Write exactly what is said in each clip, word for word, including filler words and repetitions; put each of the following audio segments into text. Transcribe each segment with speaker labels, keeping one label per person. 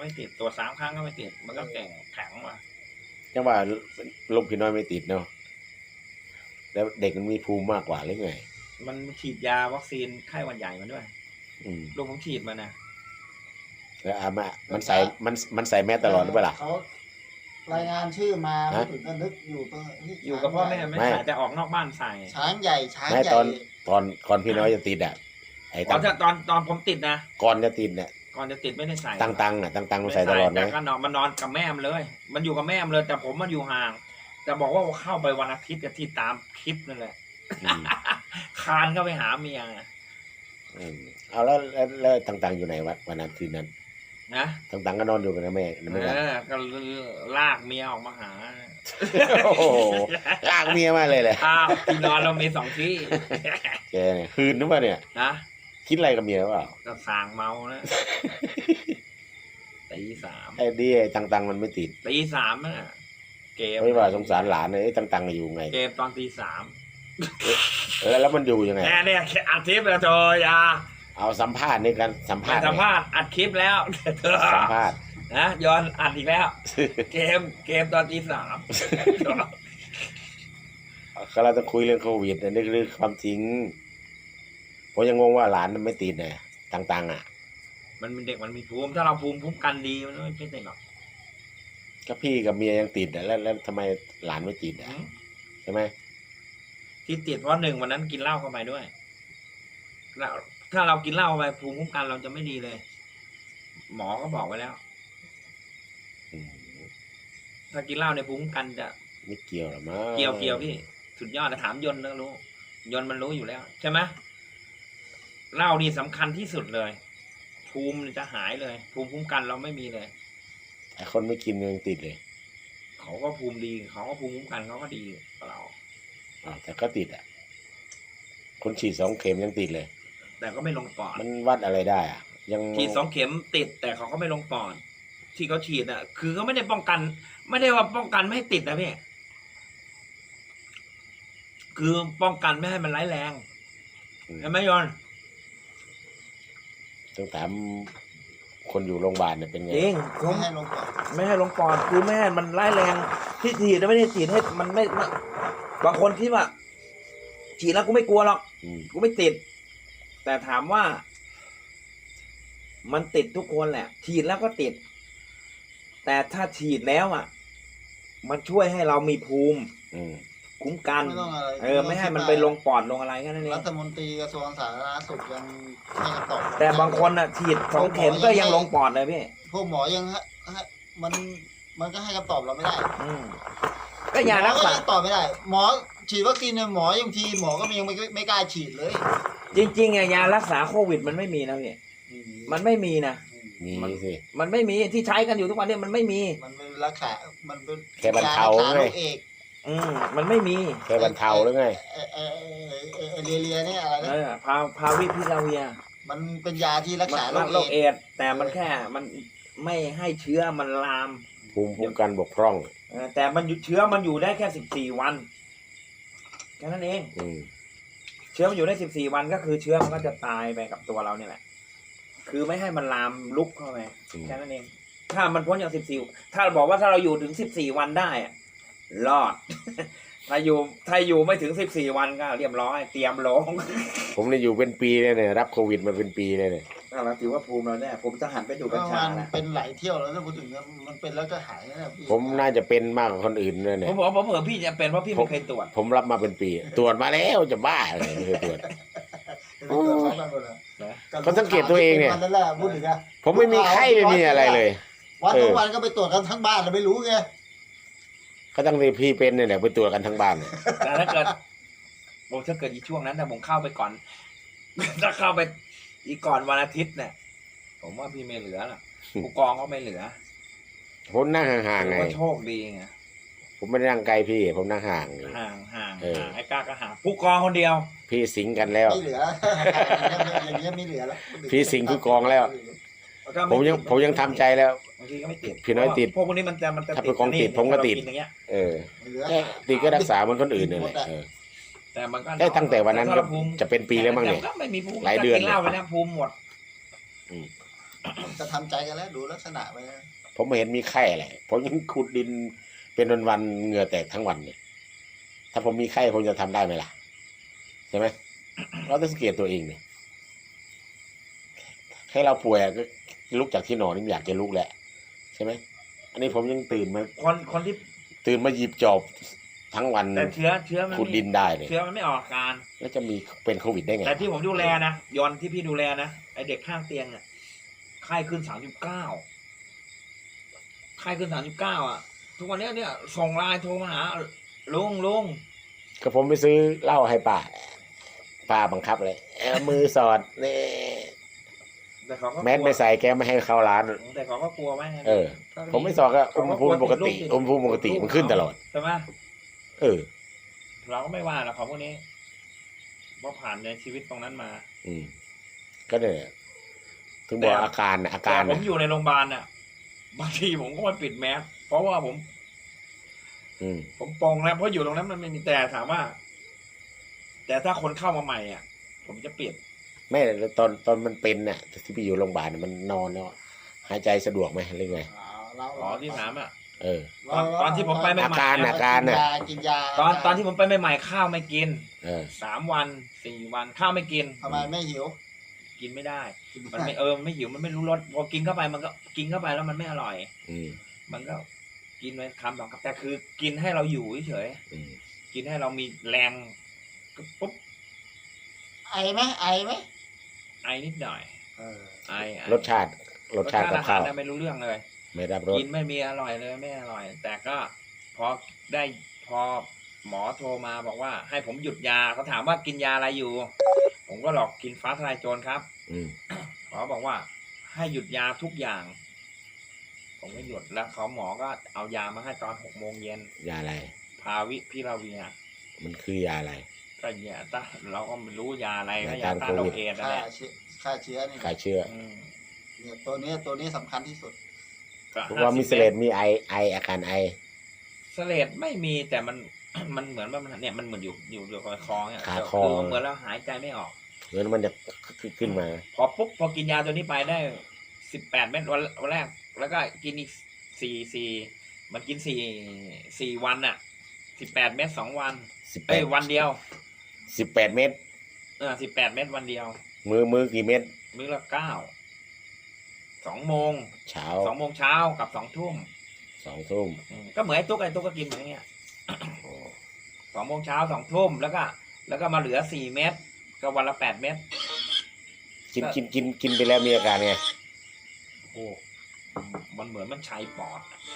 Speaker 1: ไม่ติดตัวสามครั้งก็ไม่ติดมันก็แก่งแข็งว่ะ
Speaker 2: จังว่าลูกพี่น้อยไม่ติดเนาะแล้วเด็กมันมีภูมิมากกว่าหรือไง
Speaker 1: มันฉีดยาวัคซีนไข้หวัดใหญ่มาด้วย
Speaker 2: อืม
Speaker 1: ลูกผมฉีดมานะ
Speaker 2: แล้วอามามันใส่มันมันใส่แมสตลอดหรือเปล่า
Speaker 3: เขารายงานชื่อมา
Speaker 2: ฮะ
Speaker 3: ถึงก็นึกอยู่ตรงนี้
Speaker 1: อยู่กับพ่อแม่ไม่
Speaker 2: ไม่
Speaker 1: ใส่แต่ออกนอกบ้านใส่
Speaker 3: ช้างใหญ่ช้าง
Speaker 2: ไม่
Speaker 3: ใหญ่
Speaker 2: ตอนตอนก่อนพี่น้อยจะติดอ่ะไอ้
Speaker 1: ต
Speaker 2: ตั
Speaker 1: อง นตอนตอนผมติดนะ
Speaker 2: ก่อนจะติดเนี่ย
Speaker 1: ก่อนจะติดไม่ได้ใส่
Speaker 2: ตังตังอ่ะตังตังมัน
Speaker 1: ไม่
Speaker 2: ใส่ตลอดไหม
Speaker 1: แต่ก็นอนมันนอนกับแม่มเลย มันอยู่กับแม่มเลย แต่ผมมันอยู่ห่าง แต่บอกว่าเข้าไปวันอาทิตย์กับที่ตามคลิปนั่นแหละ
Speaker 2: อืม
Speaker 1: คานก็ไปหาเมีย
Speaker 2: อืมเอาแล้วแล้วแล้วตังตังอยู่ไหนวะวันนั้นคืนนั้น
Speaker 1: นะ
Speaker 2: ตังตังก็นอนอยู่กับแม่ไม่
Speaker 1: เอ
Speaker 2: กัน
Speaker 1: อก็ลากเมียออกมาหา
Speaker 2: โอ้โหลากเมียมาเลยแหละ
Speaker 1: อ้าวที่นอนเรามีสองที่
Speaker 2: แกเนี่ยคืนนึกว่าเนี่ย
Speaker 1: นะ
Speaker 2: คิดอะไรกับเมียหรือเปล่า
Speaker 1: ก็สางเมานะตีสาม
Speaker 2: ไอ้ดีไอ้ตังตังมันไม่ติด
Speaker 1: ตีสามน่ะเกม
Speaker 2: ไม่ว่าสงสารหลานเลยไอ้ตังตังอยู่ไง
Speaker 1: เกมตอนตีสาม
Speaker 2: แล้วแล้วมันอยู่ยังไง
Speaker 1: แน่เนี่ยอัดคลิปแล้วโจยา
Speaker 2: เอาสัมภาษณ์นี่กันสัม
Speaker 1: ไม่
Speaker 2: ภาษณ์
Speaker 1: สัมภาษณ์อัดคลิปแล้ว
Speaker 2: สัมภาษณ์
Speaker 1: นะย้อนอัดอีกแล้ว เกมเกมตอนตีสาม
Speaker 2: ก็เราจะคุยเรื่องโควิดนะนี่คือความจริงผมยังงงว่าหลานมันไม่ติดเนี่ยตังๆอ่ะ
Speaker 1: มันเป็นเด็กมันมีภูมิถ้าเราภูมิคุ้มกันดีมันไม่เป็นไรหรอก
Speaker 2: ก็พี่กับเมียยังติดอ่ะแล้วแล้วทำไมหลานไม่ติดอ่ะใช่ไหม
Speaker 1: ที่ติดเพราะหนึ่งวันนั้นกินเหล้าเข้าไปด้วยแล้วถ้าเรากินเหล้าเข้าไปภูมิคุ้มกันเราจะไม่ดีเลย หมอก็บอกไว้แล้ว
Speaker 2: อืม
Speaker 1: ถ้ากินเหล้าในภูมิคุ้มกันจะ
Speaker 2: ไม่เกี่ยวหรอมั้ง
Speaker 1: เกี่ยวเกี่ยวพี่สุดยอดนะถามยนต์ก็รู้ยนต์มันรู้อยู่แล้วใช่ไหมเหล้านี่สำคัญที่สุดเลย ภูมิจะหายเลย ภูมิคุ้มกันเราไม่มีเลย
Speaker 2: ไอ้คนไม่กินยังติดเลย
Speaker 1: เขาก็ภูมิดีเขาก็ภูมิคุ้มกันเขาก็ดีกว่าเรา
Speaker 2: อ้าวแต่ก็ติดอ่ะคนฉีดสองเข็มยังติดเลย
Speaker 1: แต่ก็ไม่ลงปอด
Speaker 2: มันวัดอะไรได้อ่ะ ยัง
Speaker 1: ฉีดสองเข็มติด แต่เขาก็ไม่ลงปอดที่เขาฉีดอ่ะ คือเขาไม่ได้ป้องกัน ไม่ได้ว่าป้องกันไม่ให้ติดนะพี่คือป้องกันไม่ให้มันร้ายแรงใช่ไหมยอน
Speaker 2: ต้องถามคนอยู่โรงพยาบาลเนี่ยเป็นไง
Speaker 1: จริงผ
Speaker 3: ไม่
Speaker 1: ม
Speaker 3: ให้ลงก่อน
Speaker 1: ไม่ให้ลงปอดคือไม่ให้มันร้ายแรงที่ฉีดไม่ได้ฉีดให้มันไม่ไม่บางคนคิดว่าฉีดแล้วกูไม่กลัวหรอก
Speaker 2: อืม
Speaker 1: กูไม่ติด แต่ถามว่า มันติดทุกคนแหละ ฉีดแล้วก็ติด แต่ถ้าฉีดแล้วอ่ะ มันช่วยให้เรามีภูมิ
Speaker 2: อืม
Speaker 1: คุ้มกัน
Speaker 3: ไม่ต้องอะไร
Speaker 1: เออ ไม่ให้มันไปลงปอดลงอะไรแค่นั้นเอ
Speaker 3: รั
Speaker 1: ง
Speaker 3: ฐมนตรีกระทรวงสาธารณสุขยังให้คำตอบ
Speaker 1: แต่บางคนอ่ะ ฉีดสองเข็มก็ยังลงปอดเลยพี่
Speaker 3: พวกหมอยังให้ให้มันมันก็ให้คำตอบเราไม่ได้
Speaker 1: อืมก็ยารัก
Speaker 3: หมอ
Speaker 1: ษา
Speaker 3: ยังตอบไม่ได้ หมอฉีดวัคซีนเนี่ยหมอยังทีหมอก็ยังไม่ไม่กล้าฉีดเลย
Speaker 1: จริงๆอ่ะยารักษาโควิดมันไม่มีนะพี่มันไม่มีนะ
Speaker 2: มีสิ
Speaker 1: มันไม่มีที่ใช้กันอยู่ทุกวันนี้มันไม่มี
Speaker 3: มันเป็นรักษา มันเป็น
Speaker 2: แค่บรรเทา
Speaker 3: รักษา
Speaker 2: ไง
Speaker 3: โรคเอก
Speaker 1: อืมมันไม่มี
Speaker 2: แค่บรรเทาหรือไง
Speaker 3: เออเออเออเออเออเรียเรียเนี่ยอะไร
Speaker 1: เอ
Speaker 3: นะ
Speaker 1: อพาพาวิพิลาเวีย
Speaker 3: มันเป็นยาที่รักษาโร
Speaker 1: มัน
Speaker 3: ค
Speaker 1: โรค
Speaker 3: เอ
Speaker 1: เอก ดส์แต่มันแค่มันไม่ให้เชื้อมันลาม
Speaker 2: ภูมิคุ้มกันบกพร่อง
Speaker 1: เออแต่มันอยู่เชื้อมันอยู่ได้แค่สิบสี่วันแค่นั้นเอง
Speaker 2: อืม
Speaker 1: เชื้อมันอยู่ได้สิบสี่วันก็คือเชื้อมันก็จะตายไปกับตัวเราเนี่ยแหละ คือไม่ให้มันลามลุกเข้าไป
Speaker 2: อืม
Speaker 1: แค่นั้นเอง ถ้ามันพ้นจากสิบสี่ถ้าบอกว่าถ้าเราอยู่ถึงสิบสี่วันได้อะรอด ถ้าอยู่ถ้าอยู่ไม่ถึงสิบสี่วันก็เรียบร้อยเตรียมลง
Speaker 2: ผมเนี่ยอยู่เป็นปีเลยเนี่ยรับโควิดมาเป็นปีเลยเนี่ย
Speaker 1: เราถือว่าภูมิเราแน่ผมจะหันไปดูกัญชา
Speaker 3: มัน
Speaker 1: แล้ว
Speaker 3: เป็นหลายเที่ยวแล้วถ้าพูดถึงนะมันเป็นแล้วก็หายนะพี่
Speaker 2: ผมน่าจะเป็นมากกว่าคนอื่นเลยเนี่
Speaker 1: ผ
Speaker 2: ย
Speaker 1: มบอกว่าผมเผื่อพี่จะเป็นเพราะพี่ไม่เคยตรวจ
Speaker 2: ผมรับมาเป็นปี ตรวจมาแล้วจะบ้าเลยไม่เคยตรวจ
Speaker 3: เดี๋ยวเกิดพร้อมกันหมดเลย
Speaker 1: นะ
Speaker 2: เขาสังเกตตัวเองเนี่ย
Speaker 3: นั่นแหละพูดถึงอะ
Speaker 2: ผมไม่มีไข้ไม่มีอะไรเลย
Speaker 3: วัน
Speaker 2: เออ
Speaker 3: ทุกวันก็ไปตรวจกันทั้งบ้านเราไม่รู้ไง
Speaker 2: ก็ตั้งแต่พี่เป็นเนี่ยแหละไปตรวจกันทั้งบ้านเนี่ย
Speaker 1: แต่ถ้าเกิดโอ้ถ้าเกิดอีช่วงนั้นแต่ผมเข้าไปก่อน ถ้าเข้าไปอีก่อนวันอาทิตย์เนี่ย ผมว่าพี่ไม่เหลือหรอกผู้กองก็ไม่เหลือ
Speaker 2: ผมนั่งห่างๆ
Speaker 1: ถื
Speaker 2: ไง
Speaker 1: อว่าโชคดีไง
Speaker 2: ผมไม่ได้นั่งไกลพี่ ผมนั่งห่างอยู่
Speaker 1: ห่างห่าง
Speaker 2: เออ
Speaker 1: ห่างไอ้กล้าก็ห่างผู้กองคนเดียว
Speaker 2: พี่สิงกันแล้ว
Speaker 3: ไม่เหลือ อย่างเงี้ยไม่เหลือแล้ว
Speaker 2: พี่สิงห์คือกองแล้ว ผมยังผมยังทำใจแล้ว
Speaker 1: บางทีก็ไม่ติด
Speaker 2: พี่น้อยติด
Speaker 1: พวกพวกนี้มันจะมันจะ
Speaker 2: ถ้าเป็นของติดผมก็ติด
Speaker 1: ถ้าเรานอย่างเงี้ย
Speaker 2: เออ
Speaker 3: ไม่เหลือ
Speaker 2: แค่ติดก็รักษาเหมือนคนอื่นเนี่ยแหละเออ
Speaker 1: แต่มันก็
Speaker 2: ได้ตั้งแต่วันนั้นก็
Speaker 1: ภูมิ
Speaker 2: จะเป็นปีแล้วมั้งเนี่ย
Speaker 1: ก็ไม่มีภูมิ
Speaker 2: หลายเดือน
Speaker 1: กินเหล้าไปแล้วภูมิหมด
Speaker 2: อืม
Speaker 3: จะทำใจกันแล้วดูลักษณะไปนะ
Speaker 2: ผมไม่เห็นมีไข้อะไรผมยังขุดดินเป็นวันๆเหงื่อแตกทั้งวันเนี่ยถ้าผมมีไข้ผมจะทำได้ไหมล่ะใช่ไหม เราต้องสังเกตตัวเองเนี่ยให้เราป่วยก็ลุกจากที่นอนนี่อยากจะลุกแหละใช่ไหมอันนี้ผมยังตื่นมา
Speaker 1: คนคนที่
Speaker 2: ตื่นมาหยิบจอบทั้งวัน
Speaker 1: แต่เชื้อเชื้อมัน
Speaker 2: ขุดดินได้เลย
Speaker 1: เชื้อมันไม่ออกอาการ
Speaker 2: แล้วจะมีเป็นโควิดได้ไง
Speaker 1: แต่ที่ผมดูแลนะยอนที่พี่ดูแลนะไอเด็กข้างเตียงอ่ะไข้ขึ้นสามสิบเก้าไข้ขึ้นสามสิบเก้าอ่ะ ทุกวันนี้เนี่ยส่งไลน์โทรมาหาลุงลุง
Speaker 2: ก็ผมไปซื้อเหล้าให้ป้าป้าบังคับเลยเอามือสอดนี่
Speaker 1: แต่เขาก็กลัว
Speaker 2: แมสไม่ใส่แกไม่ให้เข้าร้าน
Speaker 1: แต่เขาก็กลัวไหม
Speaker 2: เออ ผมไม่สอดก็อุณหภูมิปกติอุณหภูมิปกติมันขึ้นตลอด
Speaker 1: ใช่ไหม
Speaker 2: เออ
Speaker 1: เราก็ไม่ว่าหรอกของพวกนี้เพราะผ่านในชีวิตตรงนั้นมา
Speaker 2: อืม ก็เนี่ยถึงบอกอาการน่ะอาการ
Speaker 1: แต่ผ
Speaker 2: น่ะ
Speaker 1: มอยู่ในโรงพยาบาลน่ะบางทีผมก็ไม่ปิดแมสเพราะว่าผม
Speaker 2: อืม
Speaker 1: ผมปรงแล้วเพราะอยู่ตรงนั้นมันไม่มีแต่ถามว่า แต่ถ้าคนเข้ามาใหม่อ่ะ ผมจะเปลี่ยน
Speaker 2: แม่แล้วตอนตอนมันเป็นน่ะที่ไปอยู่โรงพยาบาลน่ะมันนอนแล้วหายใจสะดวกไหมหรือไง
Speaker 3: เรา
Speaker 1: อ๋อที่ถามอ่ะ
Speaker 2: เออ
Speaker 1: ตอนตอนที่ผมไปใหม่ๆ
Speaker 2: อาการน่ะอาการน่ะ
Speaker 3: กินยา
Speaker 1: ตอนตอนที่ผมไปใหม่ๆข้าวไม่กิน
Speaker 2: เออ
Speaker 1: สามวันสี่วันข้าวไม่กิน
Speaker 3: ทำไมไม่หิว
Speaker 1: กินไม่ได้ มันไม่เออมันไม่หิวมันไม่รู้รสพอกินเข้าไปมันก็กินเข้าไปแล้วมันไม่อร่อย
Speaker 2: อืม
Speaker 1: มันก็กินไปคำสองคำแต่คือกินให้เราอยู่เฉย
Speaker 2: อืม
Speaker 1: ๆกินให้เรามีแรงก็ปุ๊บ
Speaker 3: ไอไหมไอไหม
Speaker 1: ไอนิดหน่อย
Speaker 3: เออ
Speaker 1: ไอไอ
Speaker 2: รสชาติรสชาติกับ
Speaker 1: อาหา
Speaker 2: ข้าร ว
Speaker 1: น่ะไม่รู้เรื่องเลย
Speaker 2: ไม่รับรส
Speaker 1: กินไม่มีอร่อยเลยไม่อร่อย แต่ก็พอได้พอหมอโทรมาบอกว่า ให้ผมหยุดยาเขาถามว่ากินยาอะไรอยู่ ผมก็หลอกกินฟ้าทลายโจรครับ
Speaker 2: อืม
Speaker 1: หมอบอกว่า ให้หยุดยาทุกอย่าง ผมก็หยุดแล้วเขาหมอก็เอายามาให้ตอนหกโมงเย็น
Speaker 2: ยาอะไร
Speaker 1: พาวิพิลาเวีย
Speaker 2: มันคือยาอะไร
Speaker 1: ก็ยาต้านเราก็ไม่รู้ยาอะไรก็
Speaker 2: ยาย
Speaker 1: า
Speaker 2: ต้าน
Speaker 1: ต้านโร
Speaker 2: โควิ
Speaker 1: ค
Speaker 2: ด
Speaker 1: เอดส์นั่น
Speaker 3: ฆ่า
Speaker 1: แหละ
Speaker 3: เชื้อฆ่าเชื้อนี่
Speaker 2: ขายเชื่อ
Speaker 1: อืม
Speaker 3: เนี่ยตัวนี้ตัวนี้สำคัญที่สุด
Speaker 1: ก็
Speaker 2: เพราะว่ามีเสลดมีไอไออาการไอ
Speaker 1: เสลดไม่มีแต่มัน มันเหมือนว่ามันเนี่ยมันเหมือนอยู่อยู่อยู่กับคอเนี่ย
Speaker 2: ขาคอ
Speaker 1: คือเหมือนเราหายใจไม่ออก
Speaker 2: เงินมันจะขึ้นมา
Speaker 1: พอปุ๊บพอกินยาตัวนี้ไปได้สิบแปดเม็ดวันวันแรก แล้วก็กินอีกสี่สี่มันกินสี่สี่วันน่ะสิบแปดเม็ดสองวัน
Speaker 2: สิบแป
Speaker 1: เอ้ย
Speaker 2: ด
Speaker 1: วันเดียว
Speaker 2: สิบแปดเม็ด
Speaker 1: เออสิบแปดเม็ดวันเดียว
Speaker 2: มือมือกี่เม็ด
Speaker 1: มื้อละเก้าสองโมง
Speaker 2: เช้า
Speaker 1: สองโมงเช้ากับสองทุ่ม
Speaker 2: สองทุ่ม
Speaker 1: อืมก็เหมือนไอ้ตุ๊กไอ้ตุ๊กก็กินเหมือนอย่างเงี้ย
Speaker 2: โอ้
Speaker 1: สองโมงเช้าสองทุ่มแล้วก็ แล้วก็มาเหลือสี่เม็ดก็วันละแปดเม็ด
Speaker 2: กินกินกินกินไปแล้วมีอาการไง
Speaker 1: โอ้มันเหมือนมันใช้ปอดอะ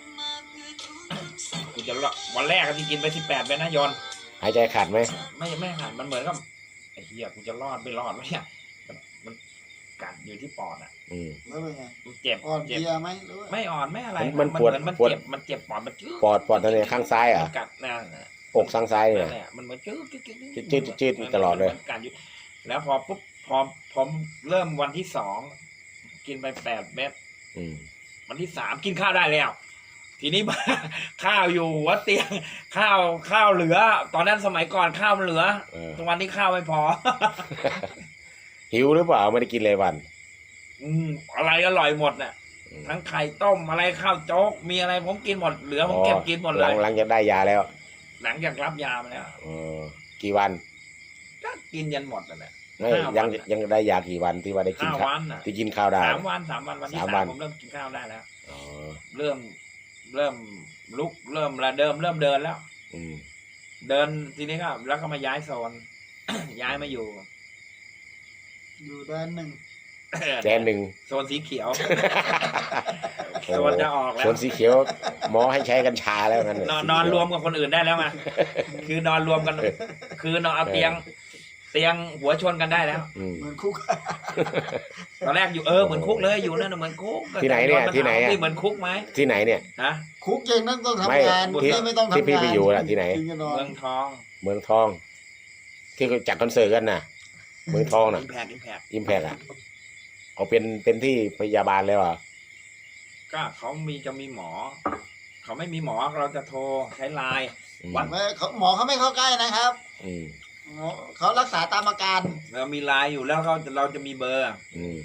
Speaker 1: กูจะละวันแรกที่กินไปสิบแปดเม็ดนะยอน
Speaker 2: หายใจขาดไหม
Speaker 1: ไม่ไม่หันมันเหมือนกับไอ้เหี้ยกูจะรอดไม่รอดวะเนี่ยมันมันกัดอยู่ที่ปอดอ่ะ
Speaker 2: อืม
Speaker 3: แล้วเป็นไง
Speaker 1: มันเจ็บ
Speaker 3: อ่อน
Speaker 1: เจ็บ
Speaker 3: เพลียไหมหรือว่า
Speaker 1: ไม่อ่อนไม่อะไร
Speaker 2: มันปวด
Speaker 1: เหมือนมัน
Speaker 2: ปวด
Speaker 1: เจ็บมันเจ็บปอดมันจืด
Speaker 2: ปอดปอดตรงไหนข้างซ้ายเหรอ่ะ
Speaker 1: มันกัดนั่นน่ะ
Speaker 2: อกข้างซ้ายเนี่
Speaker 1: นั่
Speaker 2: ย
Speaker 1: นแหละมันเหมือนจืดจืดจืด
Speaker 2: จืดจืดจืดตลอดเลย
Speaker 1: มันกัดอยู่แล้วพอปุ๊บพอผมเริ่มวันที่สองกินไปแปดเม็ด
Speaker 2: อืม
Speaker 1: วันที่สามกินข้าวได้แล้ว ทีนี้ ข้าวอยู่หัวเตียง ข้าวข้าวเหลือ ตอนนั้นสมัยก่อนข้าวมันเหลือ
Speaker 2: เออ
Speaker 1: ทุกวันนี้ข้าวไม่พอ
Speaker 2: หิวหรือเปล่าไม่ได้กินเลยวัน
Speaker 1: อืมอะไรอร่อยหมดน่ะ
Speaker 2: อืม
Speaker 1: ทั้งไข่ต้มอะไรข้าวโจ๊กมีอะไรผมกินหมดเหลือผมเก็บกินหมด
Speaker 2: ห
Speaker 1: เล
Speaker 2: ลั
Speaker 1: ย
Speaker 2: งหลังจากได้ยาแล้ว
Speaker 1: หลังจากรับยามาแล้ว
Speaker 2: เออกี่วัน
Speaker 1: ก็กินยันหมดนั่นแหละ
Speaker 2: ไม่
Speaker 1: ห้าวัน
Speaker 2: ยัง
Speaker 1: น่ะ
Speaker 2: ยังได้ยากี่วันที่ว่าได้กิน
Speaker 1: ห้า
Speaker 2: ข้าว
Speaker 1: วันน่ะ
Speaker 2: ที่กินข้าวได้
Speaker 1: สามวันสามวันวันที่
Speaker 2: สาม
Speaker 1: สา
Speaker 2: วั
Speaker 1: ม
Speaker 2: น
Speaker 1: ผมเริ่มกินข้าวได้แล้ว
Speaker 2: อ๋อ
Speaker 1: เริ่มเริ่มลุกเริ่มระเดิมเริ่มเดินแล้ว
Speaker 2: อืม
Speaker 1: เดินทีนี้ก็แล้วก็มาย้ายโซน ย้ายมาอยู่
Speaker 3: อยู่ด้านหนึ่ง
Speaker 2: แดนหนึ่ง
Speaker 1: โซนสีเขียว โซนจะออกแล้
Speaker 2: ส่
Speaker 1: ว
Speaker 2: วนสีเขียวหมอให้ใช้กัญชาแล้วนั่น
Speaker 1: นอน
Speaker 2: สี
Speaker 1: นอน
Speaker 2: เขีย
Speaker 1: รวมกับคนอื่นได้แล้วไงคือนอนรวมกัน คือนอนเอาเตียง เตียงหัวชนกันได้แล้ว
Speaker 2: อืม
Speaker 3: เหมือนคุก
Speaker 1: ตอนแรกอยู่เออเหมือนคุกเลยอยู่นั่นนะเหมือนคุก
Speaker 2: ที่ไหนเนี่ยที่ไหนอะ
Speaker 1: ที่เหมือนคุกไหม
Speaker 2: ที่ไหนเนี่ย
Speaker 1: ฮะ
Speaker 3: คุกเองนั่นต้อง
Speaker 2: ไม่
Speaker 3: ทำงาน
Speaker 2: ที่
Speaker 3: ไม่ไม่ต้องทำงาน
Speaker 2: ที่พี่ไปอยู่น่ะที่ไหน
Speaker 3: กินกันนอน
Speaker 1: เมืองทอง
Speaker 2: เมืองทอง ที่เขาจัดคอนเสิร์ตกันน่ะ เมืองทองน่ะ
Speaker 1: อิมแพกอิมแพก
Speaker 2: อิมแพกอ่ะเขาเป็นเป็นที่พยาบาลแล้วอ่ะ
Speaker 1: ก็เขามีจะมีหมอ เขาไม่มีหมอเราจะโทรใช้ไลน์
Speaker 2: อืม
Speaker 1: วัน
Speaker 3: ไม่เขาหมอเขาไม่เข้าใกล้นะครับ
Speaker 2: อืม
Speaker 3: หมอเขารักษาตามอาการ
Speaker 1: เรามีไลน์อยู่แล้วเขาเราจะมีเบอร์
Speaker 2: อืม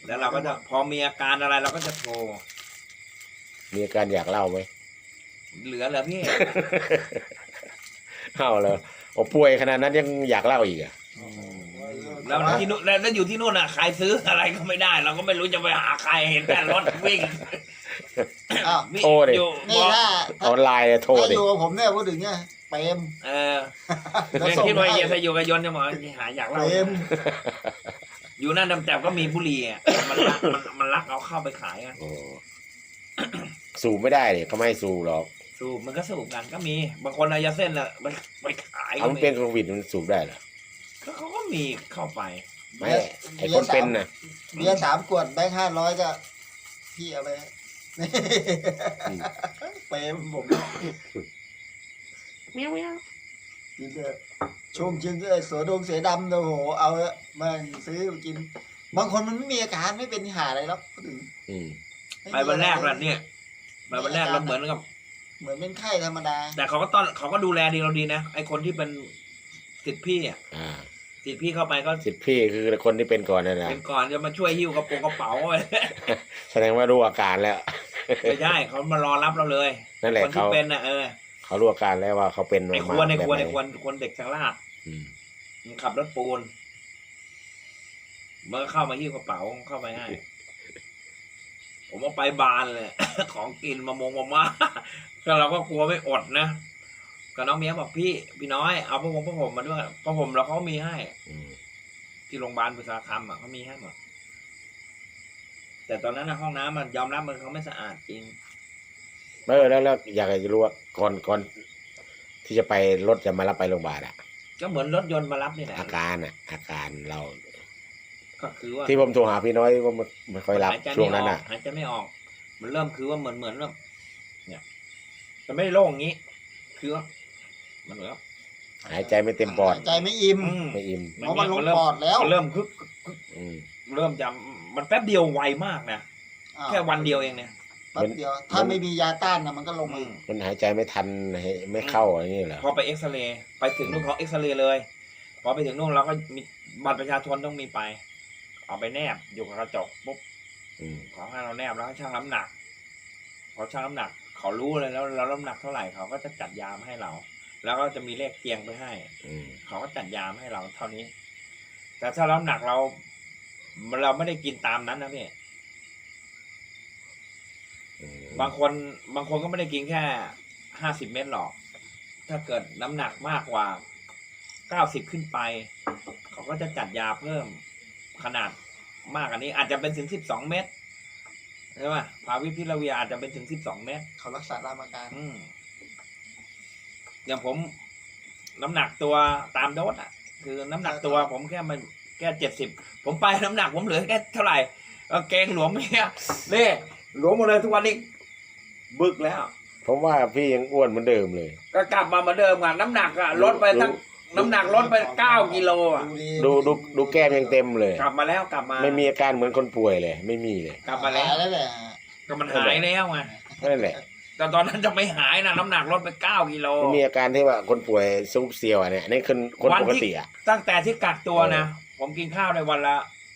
Speaker 1: แล้วเราก็จะพอมีอาการอะไรเราก็จะโทร
Speaker 2: มีอาการอยากเล่าไหม
Speaker 1: เหลือเหรอพี่
Speaker 2: เล่าเลยโอ้ป่วยขนาดนั้นยังอยากเล่าอีกอ่ะ
Speaker 1: แล้วที่นู่นแล้วอยู่ที่นู่นอ่ะใครซื้ออะไรก็ไม่ได้ เราก็ไม่รู้จะไปหาใครเห็นแต่รถวิ่ง
Speaker 3: อ้าว
Speaker 2: โทรดิ
Speaker 1: อยู่
Speaker 3: นี่ถ้า
Speaker 2: ออนไลน์อะโทร
Speaker 3: ถ้า
Speaker 2: ดิ
Speaker 3: อยู่กับผมเนี่ยพูดถึงเนี่ยเปรม
Speaker 1: เออ
Speaker 3: แล้ว
Speaker 1: แม่ง
Speaker 3: ส่ง
Speaker 1: คิดว่า
Speaker 3: ให้
Speaker 1: เฮียถ้าอยู่กับยนต์จะบอกหาอยาก
Speaker 3: เป
Speaker 1: เล่าร
Speaker 3: ม
Speaker 1: อยู่นั่นแต่ก็มีบุหรี่อ่ะมันลักมันมันลักเอาเข้าไปขายอ่ะ
Speaker 2: โอ้ สูบไม่ได้เลยเขาไม่ให้สูบหรอก
Speaker 1: สูบมันก็สูบกันก็มีบางคนเอายาเส้นอ่ะไปไปขาย
Speaker 2: เอา
Speaker 1: ก็
Speaker 2: มัน
Speaker 1: มี
Speaker 2: เป็นโควิดมันสูบได้เหรอ
Speaker 1: ก็เขาก็มีเข้าไป
Speaker 2: ไม่ไอคนเป็นน่ะ
Speaker 3: เบียร์สามขวดแบงค์ห้าร้อยก็พี่เอาไปนี่
Speaker 2: อืม
Speaker 3: เปรมผม
Speaker 2: เมียวเมียว
Speaker 3: กินเลยชุ่มชื่นเลยเสือดงเสือดำโอ้โหเอาละแม่งซื้อมากิน บางคนมันไม่มีอาการไม่เป็นหาอะไรหรอกพูดถึง
Speaker 2: อืม
Speaker 1: ไปวันแรกแล้วเนี่ยไปวันแรกเราเหมือนกับ
Speaker 3: เหมือนเป็นไข้ธรรมดา
Speaker 1: แต่เขาก็ต้อนเขาก็ดูแลดีเราดีนะไอคนที่เป็นสิทธิพี่อ่ะ
Speaker 2: อ่า
Speaker 1: สิทธิพี่เข้าไปก็
Speaker 2: สิทธิ์พี่คือคนที่เป็นก่อนนั่นนะ
Speaker 1: เป็นก่อนจะมาช่วยหิ้วกระโปรงกระเป๋าไว้
Speaker 2: แสดงว่ารู้อาการแล้ว
Speaker 1: ไม่ใช่เขามารอรับเราเลย
Speaker 2: นั่นแหละ
Speaker 1: คนที่
Speaker 2: เขา
Speaker 1: เป็นน่ะเออ
Speaker 2: เขารู้อาการแล้วว่าเขาเป็น
Speaker 1: ไอ
Speaker 2: มา
Speaker 1: ควรไอควร
Speaker 2: แบบ
Speaker 1: ไอ
Speaker 2: หน
Speaker 1: ควรควรเด็กชังลาด
Speaker 2: อืม
Speaker 1: มันขับรถปูนมันก็เข้ามาหิ้วกระเป๋าเข้าไปให้ผมเอาไปบานเลย ของกินมามงมาม่า ก็เราก็กลัวไม่อดนะก็น้องเมียบอกพี่พี่น้อยเอาผ้าห่มผ้าห่มมาด้วยผ้าห่มเราเขามีให้
Speaker 2: อืม
Speaker 1: ที่โรงพยาบาลบุษราคำอ่ะเขามีให้หมดแต่ตอนนั้นนะห้องน้ำมันยอมรับมันเขาไม่สะอาดจริง
Speaker 2: เออแล้วแล้วอยากจะรู้ว่าก่อนก่อนที่จะไปรถจะมารับไปโรงพยาบาลอะ
Speaker 1: ก็เหมือนรถยนต์มารับนี่แหละ
Speaker 2: อาการอะอาการเรา
Speaker 1: ก็คือว่า
Speaker 2: ที่ผมโทรหาพี่น้อยว่าไม่ไม่ค่อยรับ
Speaker 1: หายใจ
Speaker 2: ช่ว
Speaker 1: ไม่
Speaker 2: ง
Speaker 1: อ
Speaker 2: นั้น
Speaker 1: อ
Speaker 2: อะ
Speaker 1: กหายใจไม่ออก มันเริ่มคือว่าเหมือนเหมือนเริ่มเนี่ยจะไม่ได้โล่งอย่างนี้ คือว่ามันเหมือนว่า
Speaker 2: หายใจไม่เต็มปอด
Speaker 3: ใจไม่อิ่ม
Speaker 1: อืม
Speaker 2: ไม่อิ่ม
Speaker 3: เพราะมันลงปอดแล้ว
Speaker 1: มันเริ่มคึกคึก
Speaker 2: อืม
Speaker 1: เริ่มจะมันแป๊บเดียวไวมากนะ
Speaker 3: อ้าว
Speaker 1: แค่วันเดียวเองเนี่ย
Speaker 3: แป๊บเดียว ถ้าไม่มียาต้านนะมันก็ลง
Speaker 1: อื
Speaker 3: อีก
Speaker 1: ม
Speaker 2: มันหายใจไม่ทันไม่เข้าอะไรนี่เหรอ
Speaker 1: พอไปเอ็กซเรย์ไปถึงนู่นเขาเอ็กซเรย์เลยพอไปถึงนู่นเราก็มีบัตรประชาชนต้องมีไป เอาไปแนบอยู่กับกระจกปุ๊บ
Speaker 2: อืม
Speaker 1: ขอให้เราแนบแล้วให้ชั่งน้ำหนักพอชั่งน้ำหนัก เขารู้เลยแล้วเราน้ำหนักเท่าไหร่เขาก็จะจัดยามาให้เรา แล้วก็จะมีเลขเตียงไปให้
Speaker 2: อืม
Speaker 1: เขาก็จัดยามาให้เราเท่านี้ แต่ถ้าน้ำหนักเรา เราไม่ได้กินตามนั้นนะพี่
Speaker 2: อืม
Speaker 1: บางคนบางคนก็ไม่ได้กินแค่ห้าสิบเม็ดหรอก ถ้าเกิดน้ำหนักมากกว่าเก้าสิบขึ้นไป เขาก็จะจัดยาเพิ่มขนาดมากอันนี้ อาจจะเป็นถึงสิบสองเม็ดใช่ไหมพาวิพิลาเวียอาจจะเป็นถึงสิบสองเม็ด
Speaker 3: เขารักษาตามอาการ
Speaker 1: อืมอย่างผมน้ำหนักตัวตามโดสอ่ะ คือน้ำหนักตัวผมแค่มันแค่เจ็ดสิบผมไปน้ำหนักผมเหลือแค่เท่าไหร่เออเกงหลวมเนี่ยเล่หลวมหมดเลยทุกวันนี้บึกแล้ว
Speaker 2: ผมว่าพี่ยังอ้วนเหมือนเดิมเลย
Speaker 1: ก็กลับมาเหมือนเดิมอ่ะน้ำหนักอ่ะลดไปทั้งน้ำหนักลดไปเก้ากิโลอ่ะ
Speaker 2: ดูดูดูแก้มยังเต็มเลย
Speaker 1: กลับมาแล้วกลับมา
Speaker 2: ไม่มีอาการเหมือนคนป่วยเลย ไม่มีเลย
Speaker 1: กลับมาแล้ว
Speaker 3: หยแล้วแหละ
Speaker 1: ก็มันหายแล้วไง
Speaker 2: นั่นแหละ
Speaker 1: แต่ตอนนั้นจะไม่หายนะน้ำหนักลดไปเก้ากิโล
Speaker 2: ไม่มีอาการที่ว่าคนป่วยซุปเซียวอะเนี่ยนี่คือคน
Speaker 1: วัน
Speaker 2: ปก
Speaker 1: ที่
Speaker 2: ติอ่ะ
Speaker 1: ตั้งแต่ที่กักตัวนะผมกินข้าวในวันละ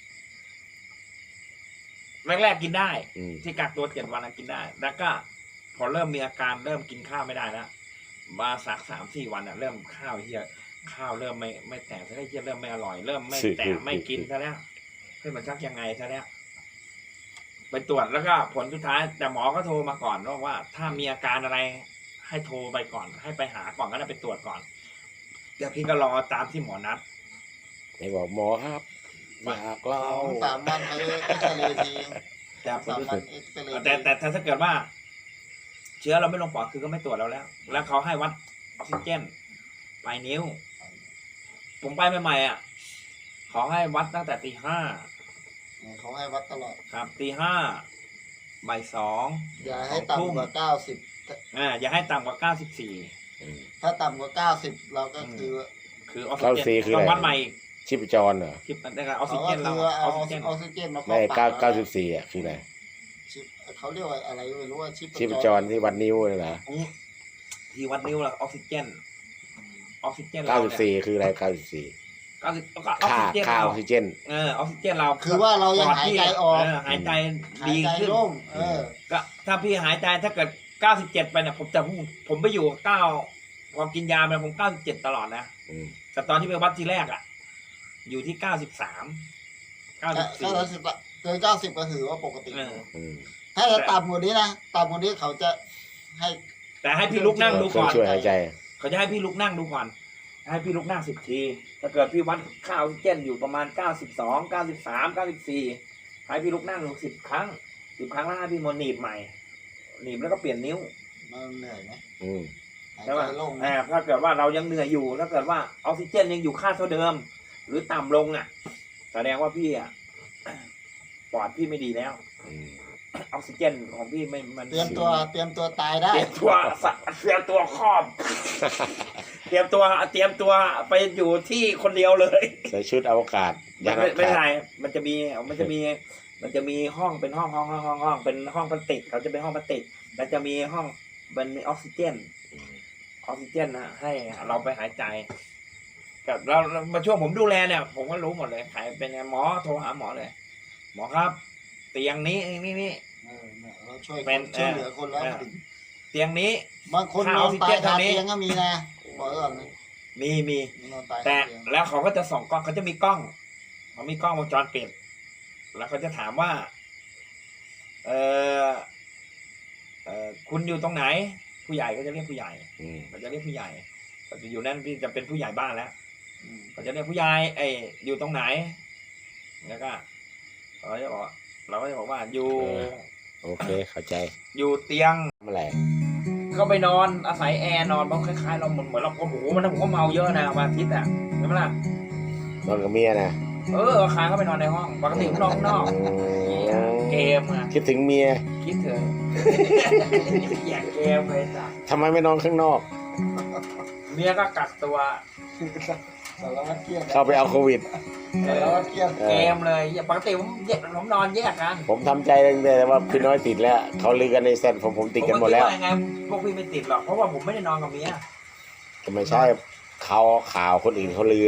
Speaker 1: แรกๆกินได้
Speaker 2: อืม
Speaker 1: ที่กักตัวเจ็ดวันนะกินได้ แล้วก็พอเริ่มมีอาการเริ่มกินข้าวไม่ได้แล้วมาสักสามสี่วันอ่ะ เริ่มข้าวเฮียข้าวเริ่มไม่ไม่แตกซะแล้วเฮียเริ่มไม่อร่อยเริ่มไม่แตกไม่กินซะแล้วเฮ้ยมันชักยังไงซะแล้วไปตรวจแล้วก็ผลสุดท้าย แต่หมอก็โทรมาก่อนว่าว่า ถ้ามีอาการอะไร ให้โทรไปก่อน ให้ไปหาก่อนก็ได้ไปตรวจก่อนเดี๋ยวพี่ก็รอตามที่หมอนัด
Speaker 2: ไหนบอกหมอครับอยากเล่า
Speaker 3: สองสามวันไปเอ็กซเรย์ที
Speaker 1: แต่
Speaker 3: สามวันเอ็กซเรย์
Speaker 1: แต่แต่แต่ถ้าเกิดว่า เชื้อเราไม่ลงปอดคือก็ไม่ตรวจเราแล้ว แล้วเขาให้วัดออกซิเจนปลายนิ้ว ผมไปใหม่ๆอ่ะขอให้วัดตั้งแต่ตีห้า
Speaker 3: เขาให้วัดตลอด
Speaker 1: ครับตีห้าบ่ายสอง
Speaker 3: อย่าให้ต่ำกว่าเก้าสิบ
Speaker 1: อ่าอย่าให้ต่ำกว่าเก้าสิบสี่
Speaker 2: อืม
Speaker 3: ถ้าต่ำกว่าเก้าสิบเราก็คือ
Speaker 1: คือออกซิ
Speaker 2: เก้า
Speaker 1: เจ
Speaker 2: สี่
Speaker 1: น
Speaker 2: คือ
Speaker 1: ต้
Speaker 2: อะ
Speaker 1: อง
Speaker 2: ไร
Speaker 1: วัดใหม่อีก
Speaker 2: ชีพจรเหรอ
Speaker 1: คิดได้กับออกซิ
Speaker 3: เขา
Speaker 1: เจ
Speaker 3: ก็
Speaker 1: นเรา
Speaker 3: คือ
Speaker 1: อ
Speaker 3: เอา
Speaker 1: อกซิเจน
Speaker 3: ออกซิเจนมา
Speaker 2: ไม่
Speaker 3: เข้า
Speaker 2: เก้า
Speaker 3: ปาก
Speaker 2: เก้าสิบสี่อ่ะคืออะไร
Speaker 3: ชิปเขาเรียกว่าอะไรไม่รู้ว่าชิป
Speaker 2: ชีพจรที่วัดนิ้วเลยเหรอ
Speaker 1: ที่วัดนิ้วเราออกซิเจนออกซิเจน
Speaker 2: เก้า
Speaker 1: เรา
Speaker 2: สิบ
Speaker 1: เนี่ย
Speaker 2: สี่คืออะไรเก้าสิบสี่
Speaker 1: เก้าสิบก็ออก
Speaker 2: ค่า
Speaker 1: ซิเจน
Speaker 2: ค่าอ
Speaker 1: เรา
Speaker 2: อกซิเจน
Speaker 1: เออออกซิเจนเรา
Speaker 3: คือว่าเรายังหายใจออก
Speaker 1: เหายใจ
Speaker 3: หาย
Speaker 1: ดี
Speaker 3: ใจ
Speaker 1: ขึ้น
Speaker 3: โล่งเออ
Speaker 1: ก็ถ้าพี่หายใจถ้าเกิดเก้าสิบเจ็ดไปเนี่ยผมจะผมผมไปอยู่เก้าพอกินยาไปผมเก้าสิบเจ็ดตลอดนะ
Speaker 2: อืม
Speaker 1: แต่ตอนที่ไปวัดทีแรกอ่ะ อยู่ที่เก้าสิบสามเก้าสิบสี่
Speaker 3: เก้าสิบเกินเก้าสิบก็ถือว่าปกติ
Speaker 1: เออ
Speaker 2: อืม
Speaker 3: ถ้าจะต่ำกว่านี้นะต่ำกว่านี้เขาจะให้
Speaker 1: แต่ให้พี่ลุกนั่งดู
Speaker 2: เครื่อ
Speaker 1: ก่
Speaker 2: ง
Speaker 1: อน
Speaker 2: ช่วยหายใจ
Speaker 1: เขาจะให้พี่ลุกนั่งดูก่อน ให้พี่ลุกนั่งสิบที ถ้าเกิดพี่วัดค่าออกซิเจนอยู่ประมาณเก้าสิบสอง เก้าสิบสาม เก้าสิบสี่ให้พี่ลุกนั่งดูสิบครั้งสิบครั้งแล้วให้พี่มาหนีบใหม่ หนีบแล้วก็เปลี่ยนนิ้ว
Speaker 3: มันเหนื่อยไหม
Speaker 2: อืม
Speaker 3: หาย
Speaker 1: ใช่
Speaker 3: ใจ
Speaker 1: ป่ะ
Speaker 3: โล่งไหม
Speaker 1: อ่าถ้าเกิดว่าเรายังเหนื่อยอยู่ ถ้าเกิดว่าออกซิเจนยังอยู่ค่าเท่าเดิม หรือต่ำลงอ่ะ แสดงว่าพี่อ่ะ ปอดพี่ไม่ดีแล้ว
Speaker 2: อืม
Speaker 1: ออกซิเจนของพี่ไม่มัน
Speaker 3: เตรียมตัวเตรียมตัวตายได้
Speaker 1: เตรียมตัวสะเตรียมตัวครอบ เตรียมตัวเตรียมตัวไปอยู่ที่คนเดียวเลย
Speaker 2: ใส่ชุดอวกาศ
Speaker 1: ไม่
Speaker 2: ยานอ
Speaker 1: ไม่
Speaker 2: ว
Speaker 1: ไม่
Speaker 2: กาศ
Speaker 1: ใช่มันจะมีมันจะมี มันจะมีห้องเป็นห้องห้องห้องห้องห้องเป็นห้องพลาสติกเขาจะเป็นห้องพลาสติกแล้วจะมีห้องมันมีออกซิเจน ออกซิเจนนะให้เราไปหายใจกับเรามาช่วงผมดูแลเนี่ย ผมก็รู้หมดเลยใครเป็นไงหมอโทรหาหมอเลย หมอครับ เตียงนี้นี่นี่
Speaker 3: เออเนี่ยเราช่วย
Speaker 1: เป็น
Speaker 3: ช่วยเหลือคนแล้ว
Speaker 1: เออ
Speaker 3: ถึง
Speaker 1: เตียงนี้
Speaker 3: บางคน
Speaker 1: ถ้าน
Speaker 3: อน
Speaker 1: ออกซิ
Speaker 3: ตา
Speaker 1: เจ
Speaker 3: ย
Speaker 1: น
Speaker 3: คา
Speaker 1: เท่านี้
Speaker 3: เตียงก็มีนะบอกไว้ก่อนนะ
Speaker 1: มีมี
Speaker 3: นอนตาย
Speaker 1: แต่
Speaker 3: คาเตียง
Speaker 1: แล้วเขาก็จะส่องกล้องเขาจะมีกล้องเขามีกล้องวงจรปิดแล้วเขาจะถามว่า เออเออคุณอยู่ตรงไหน ผู้ใหญ่ก็จะเรียกผู้ใหญ่
Speaker 2: อืม
Speaker 1: เขาจะเรียกผู้ใหญ่ก็จะอยู่นั่นพี่จะเป็นผู้ใหญ่บ้านแล้ว
Speaker 3: อืม
Speaker 1: เขาจะเรียกผู้ใหญ่ไอ้ยอยู่ตรงไหนแล้วก็เราจะบอกว่าเราก็จะบอกว่าอยู่
Speaker 2: โอเคเข้าใจ
Speaker 1: อยู่เตียง
Speaker 2: ทำอะไร
Speaker 1: ก็ไปนอนอาศัยแอร์นอนเพราะคล้ายๆเราเหมือนเหมือนเราโอ้โหมันผมก็เมาเยอะนะวันอาทิตย์อ่ะใช่ไหมล่ะ
Speaker 2: นอนกับเมียนะ
Speaker 1: เออค้างก็ไปนอนในห้องปกติผมนอนข้างนอก
Speaker 2: อืม
Speaker 1: เกมอะ
Speaker 2: คิดถึงเมีย
Speaker 1: คิดเถอะอยากเกมเลยจ้ะ
Speaker 2: ทำไมไม่นอนข้างนอก
Speaker 1: เมียก็กักตัว
Speaker 3: สารวัตรเกียรติ
Speaker 2: เข้าไปเอาโควิด
Speaker 1: เอ
Speaker 3: สาร
Speaker 1: อ
Speaker 3: วัตรเกียรติ
Speaker 1: เกมเลยปกติผมแยกผมนอนแยกกัน
Speaker 2: ผมทำใจตั้งแต่ว่าพี่น้อยติดแล้ว เขาลือกันในเซตผมผมติดกันหมดแล้ว
Speaker 1: ผก็คิายังไงพวกพี่ไม่ติดหรอกเพราะว่าผมไม่ได้นอนกับเมีย
Speaker 2: ก็ไม่ใช่เขาข่าวคนอื่นเขาลือ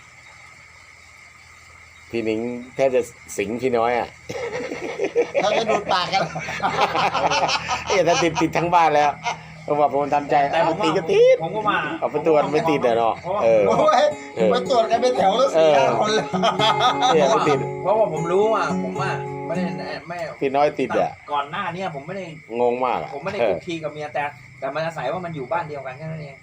Speaker 2: พี่หนิงแทบจะสิงพี่น้อยอ่ะ
Speaker 3: เขาจะดูดปากกัน
Speaker 2: เอ้ยถ้าติดติดทั้งบ้านแล้วเพราะว่าผมทำใจ
Speaker 1: แต่ผม
Speaker 2: ติ
Speaker 1: ว่า
Speaker 2: ดก็ติด
Speaker 1: ผมก็มา
Speaker 2: เอาไปตรวจไม่ติดอะเนาะเออ
Speaker 3: โอ้ย
Speaker 2: เออ
Speaker 3: ไปตรวจกันเป็นแถวแล้วสี่ห้าคนเลย
Speaker 2: เนี่ยไม่ติด
Speaker 1: เพราะว่าผมรู้อ่ะผมอ่ะไม่ได้ไม่
Speaker 2: พี่น้อยติดอ่ะ
Speaker 1: ก่อนหน้าเนี้ผมไม่ได้
Speaker 2: งงมากอะ
Speaker 1: ผมไม่ได้
Speaker 2: เอ
Speaker 1: คุ
Speaker 2: อก
Speaker 1: คีกับเมียแต่ แต่มันอาศัยว่ามันอยู่บ้านเดียวกันแค่นั้นเอง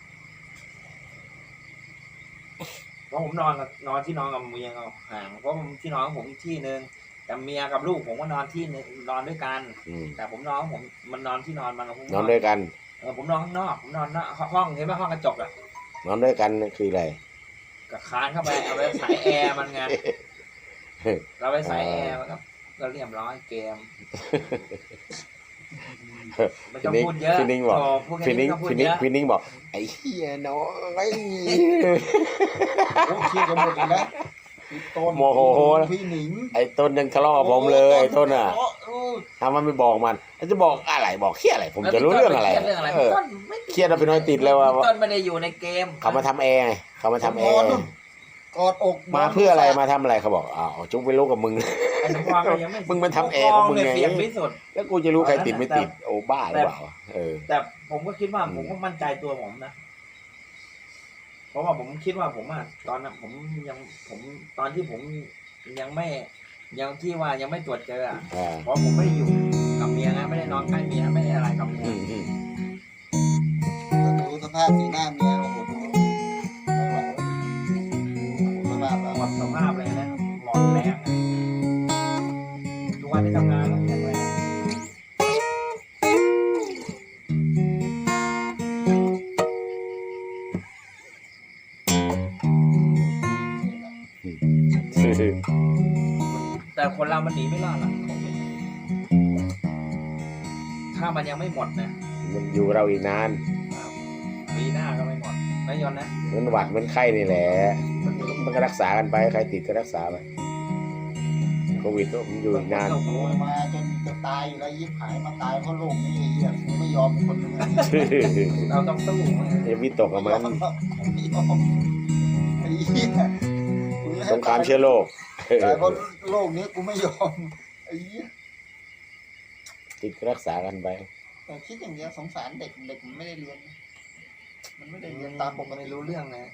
Speaker 1: เพราะผมนอนกับนอนที่นอนกับเมียเขาห่างเพราะผมที่นอนของผมอีกที่หนึ่งแต่เมียกับลูกผมก็นอนที่นึงนอนด้วยกัน
Speaker 2: อืม
Speaker 1: แต่ผมนอนของผมมันนอนที่นอนมันผม
Speaker 2: นอนด้วยกัน
Speaker 1: เออผมนอนข้างนอกผมนอนหน้าห้องเห็นไหมห้องกระจกอ่ะ
Speaker 2: นอนด้วยกันคืออะไร
Speaker 1: ก็คานเข้าไปเอาไปสายแอร์มันไงเราไปสายแอร์มันก็ก็เรียบร้อยเกมไม่ต้องพูดเยอะ
Speaker 2: พี่นิ้งบอก
Speaker 1: โพูดแค่
Speaker 2: พี่นิ้ง
Speaker 1: ไม่ต้องพูด
Speaker 2: พี่นิ้
Speaker 1: เย
Speaker 2: ง
Speaker 1: อะ
Speaker 2: พี่นิ้งบอกไอ้เหี้ยน้อย
Speaker 3: โอ้คิดกันหมดเลยนะพี่ต้น
Speaker 2: โมโห
Speaker 3: พี่หนิง
Speaker 2: ไอ้ต้นยังทะเลาะกับผมเลยไอ้ต้นอ่ะ
Speaker 3: โโอ้
Speaker 2: ทำไมไม่บอกมันแล้วจะบอกอะไรบอกเฮียอะไร ผมจะรู้เรื่องอะไร
Speaker 1: แล้วพี่ต้นปเคยดเรื่องอะไร
Speaker 2: เออ
Speaker 1: พี่ต้นไม่
Speaker 2: เครียดเราพี่น้อยติดเลยว่า
Speaker 1: พี่ต้นไม่ได้อยู่ในเกม
Speaker 2: เขามาทำแอร์ไงเขามาทำแอร์
Speaker 3: กอดอก
Speaker 2: มาเพื่ออะไรมาทำอะไรเขาบอกอ้าวจุกไปรู้กับมึง
Speaker 1: ไอ้สมพรก็ยังไม่
Speaker 2: มึงมันทำแอร์ของมึงไง
Speaker 1: เสียงที่สุด
Speaker 2: แล้วกูจะรู้ใครติดไม่ติดโอ้บ้าหรือเปล่าเออ
Speaker 1: แต่ผมก็คิดว่าผมก็มั่นใจตัวผมนะ เพราะว่าผมคิดว่าผมอะตอนนั้นผมยังผมตอนที่ผมยังไม่ยังที่ว่ายังไม่ตรวจเจออะ
Speaker 2: อ่า
Speaker 1: เพราะผมไม่ได้อยู่กับเมียนะไม่ได้นอนใกล้เมียไม่ได้อะไรกับเมีย
Speaker 2: อืมอืม
Speaker 3: ดูสภาพสีหน้าเมียโอ้โหดูไม่ไหวสภาพ
Speaker 1: หมดสภาพเลยนะหมดแรงอะทุกวันที่ทำงานต้องแข็งแรง แต่คนเรามันหนีไม่รอดหรอกโควิดถ้ามันยังไม่หมดนะ
Speaker 2: มันอยู่เราอีกนาน
Speaker 1: ปีหน้าก็ไม่หมดไม่ยอนนะ
Speaker 2: เหมือนหวัดเหมือนไข้นี่แหละมันก็รักษากันไปใครติดก็รักษาไปโควิดก็มันอยู่อีกนาน
Speaker 3: โอ้โหมาจนจะตายอยู่แล้วยิบหายมาตายเพราะโรคนี้ไอ้เหี้ยกูไม่ยอมคนหนึงอะ
Speaker 1: เราต้องสู้
Speaker 2: อย่าวิตกกับมัน
Speaker 3: ไม่ยอมไม่ยอมไอ้เหี้ย
Speaker 2: สงครามเชื้อโรค
Speaker 3: ตายเพราะโรคนี้กูไม่ยอมไอ้เหี้ย
Speaker 2: ติดรักษากันไป
Speaker 3: แต่คิดอย่างเดียวสงสารเด็กเด็กมันไม่ได้เรียน มันไม่ได้เรียนตามปก
Speaker 1: ไม่
Speaker 3: ติ
Speaker 1: รู้เรื่องนะ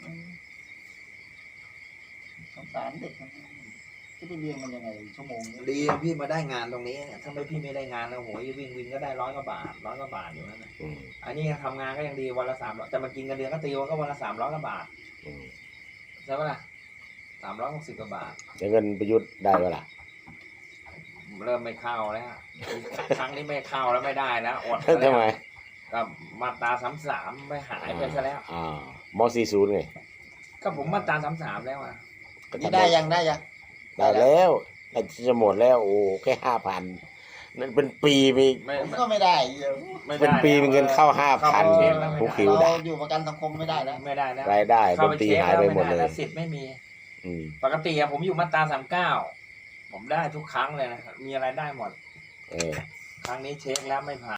Speaker 3: สงสารเด็กมันจะไปเรียนมันยังไงชั่วโมงนี้
Speaker 1: ดีพี่มาได้งานตรงนี้เนี่ยถ้าไม่พี่ไม่ได้งานแล้วโหยวิ่งวินก็ได้ร้อยกว่าบาทร้อยกว่าบาทอยู่นั่นนะ
Speaker 2: อืม
Speaker 1: อันนี้ทำงานก็ยังดีวันละสามร้อยแต่มากินกันเดือนก็ตีวันก็วันละสามร้อยกว่าบาท
Speaker 2: อืม
Speaker 1: ใช่ปะล่ะสามร้อยหกสิบกว่าบาท
Speaker 2: แล้วเงินประยุทธ์ได้เวล่ะ
Speaker 1: เริ่มไม่เข้าแล้วครั้งนี้ไม่เข้าแล้วไม่ได้แล้วอด
Speaker 2: ทำไม
Speaker 1: กับมาตราสามสามไม่หายไปซะแล้ว
Speaker 2: อ่ามสี่ศูนย์ไง
Speaker 1: ก็ผมมาตราสามสามแล้วอ่ะ
Speaker 2: ก็
Speaker 3: นี่
Speaker 2: ทำ
Speaker 3: ได้ยังได้ยัง
Speaker 2: ได้แล้วจะหมดแล้วโอ้แค่ห้าพันนั่นเป็นปีมี
Speaker 1: ไม่
Speaker 3: ผม
Speaker 1: ไม่
Speaker 3: ก็ไม่ได้เหี้ย
Speaker 1: ไม่ได้
Speaker 2: เป็นปีมีเงินเข้าห้าพัน
Speaker 1: เข้าเช็คแล้วไม่
Speaker 2: ผู้
Speaker 1: ได้
Speaker 2: คิว
Speaker 3: เรา
Speaker 2: ได้
Speaker 3: อยู่ประกันสังคมไม่ได้แล้ว
Speaker 1: ไม่ได้แล้ว
Speaker 2: รายได้ด
Speaker 1: เข้าน ไป
Speaker 2: ตรี
Speaker 1: เช็ค
Speaker 2: หาย
Speaker 1: แล้ว
Speaker 2: ไป
Speaker 1: ไม่
Speaker 2: หมด
Speaker 1: ได้
Speaker 2: เลย
Speaker 1: แล้วสิทธิ์ไม่มี
Speaker 2: อืม
Speaker 1: ปกติอะผมอยู่มาตราสามเก้าผมได้ทุกครั้งเลยนะมีอะไรได้หมด
Speaker 2: เออ
Speaker 1: ครั้งนี้เช็คแล้วไม่ผ่าน